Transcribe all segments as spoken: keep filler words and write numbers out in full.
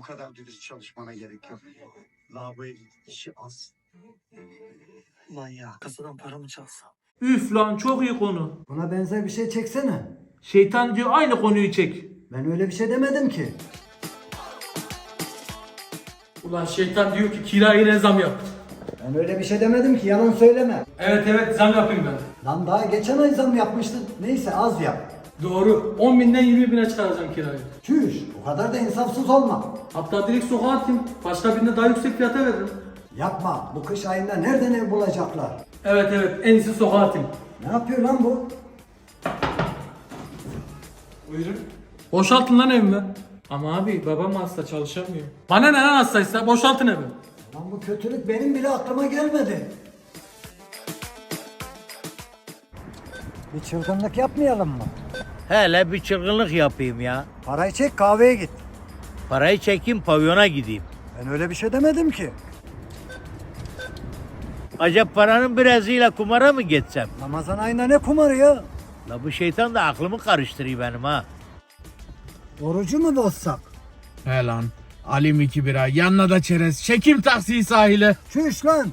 kadar dürüst çalışmana gerek yok. Lavaboya git, işi az. Lan ya, kasadan para mı çalsam? Üf lan, çok iyi konu. Buna benzer bir şey çeksene. Şeytan diyor aynı konuyu çek. Ben öyle bir şey demedim ki. Ulan şeytan diyor ki kiraya ne zam yap. Ben öyle bir şey demedim ki, yalan söyleme. Evet evet, zam yapayım ben. Lan daha geçen ay zam yapmıştın. Neyse, az yap. Doğru. on binden yirmi bine çıkaracağım kirayı. Çüş, o kadar da insafsız olma. Hatta direkt sokağa atayım. Başka birine daha yüksek fiyata veririm. Yapma, bu kış ayında nereden ev bulacaklar? Evet evet, en iyisi sokağa atayım. Ne yapıyor lan bu? Buyurun. Boşaltın lan evimi. Ama abi babam hasta, çalışamıyor. Bana ne lan, hastaysa boşaltın evi. Lan bu kötülük benim bile aklıma gelmedi. Bir çılgınlık yapmayalım mı? Hele bir çılgınlık yapayım ya. Parayı çek, kahveye git. Parayı çekeyim, pavyona gideyim. Ben öyle bir şey demedim ki. Acaba paranın birazıyla kumara mı geçsem? Ramazan ayında ne kumarı ya? La bu şeytan da aklımı karıştırıyor benim ha. Orucu mu bozsak? He lan. Alim iki bira, yanına da çerez. Çekim taksiyi sahile. Çüş lan.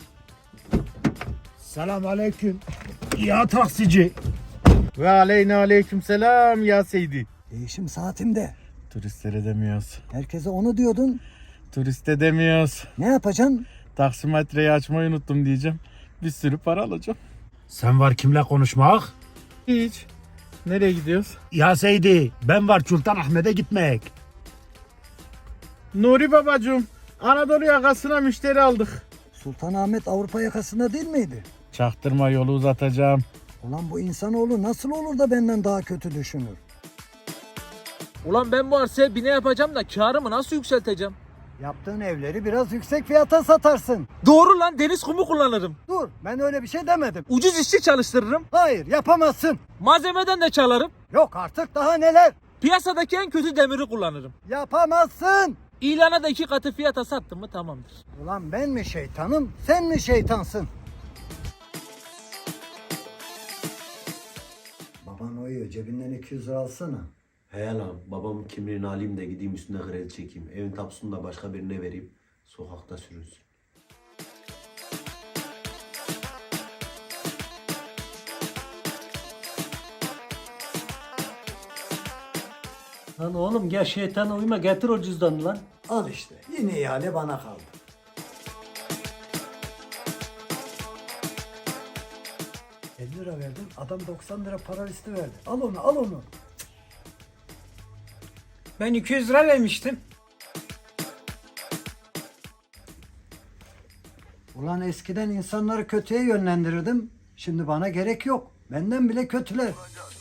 Selam aleyküm. Ya taksici. Ve aleyna aleyküm selam ya Seydi. Değişim saatimde. Turistlere demiyoruz. Herkese onu diyordun. Turiste demiyoruz. Ne yapacaksın? Taksimetreyi açmayı unuttum diyeceğim. Bir sürü para alacağım. Sen var kimle konuşmak? Hiç. Nereye gidiyoruz? Ya Seydi, ben var Sultan Ahmet'e gitmek. Nuri babacığım. Anadolu yakasına müşteri aldık. Sultanahmet Avrupa yakasında değil miydi? Çaktırma, yolu uzatacağım. Ulan bu insanoğlu nasıl olur da benden daha kötü düşünür? Ulan ben bu arsaya bine yapacağım da karımı nasıl yükselteceğim? Yaptığın evleri biraz yüksek fiyata satarsın. Doğru lan, deniz kumu kullanırım. Dur, ben öyle bir şey demedim. Ucuz işçi çalıştırırım. Hayır, yapamazsın. Malzemeden de çalarım. Yok artık, daha neler? Piyasadaki en kötü demiri kullanırım. Yapamazsın. İlana da iki katı fiyata sattım mı tamamdır. Ulan ben mi şeytanım, sen mi şeytansın? Baban uyuyor, cebinden iki yüz lira alsana. He lan, babamın kimliğini alayım da gideyim üstüne kredi çekeyim. Evin tapusunu da başka birine vereyim. Sokakta sürünsün. Lan oğlum gel şeytana uyma, getir o cüzdanı lan. Al işte, yine ihale bana kaldı. elli lira verdim, adam doksan lira para listi verdi. Al onu, al onu. Ben iki yüz lira vermiştim. Ulan eskiden insanları kötüye yönlendirirdim. Şimdi bana gerek yok. Benden bile kötüler.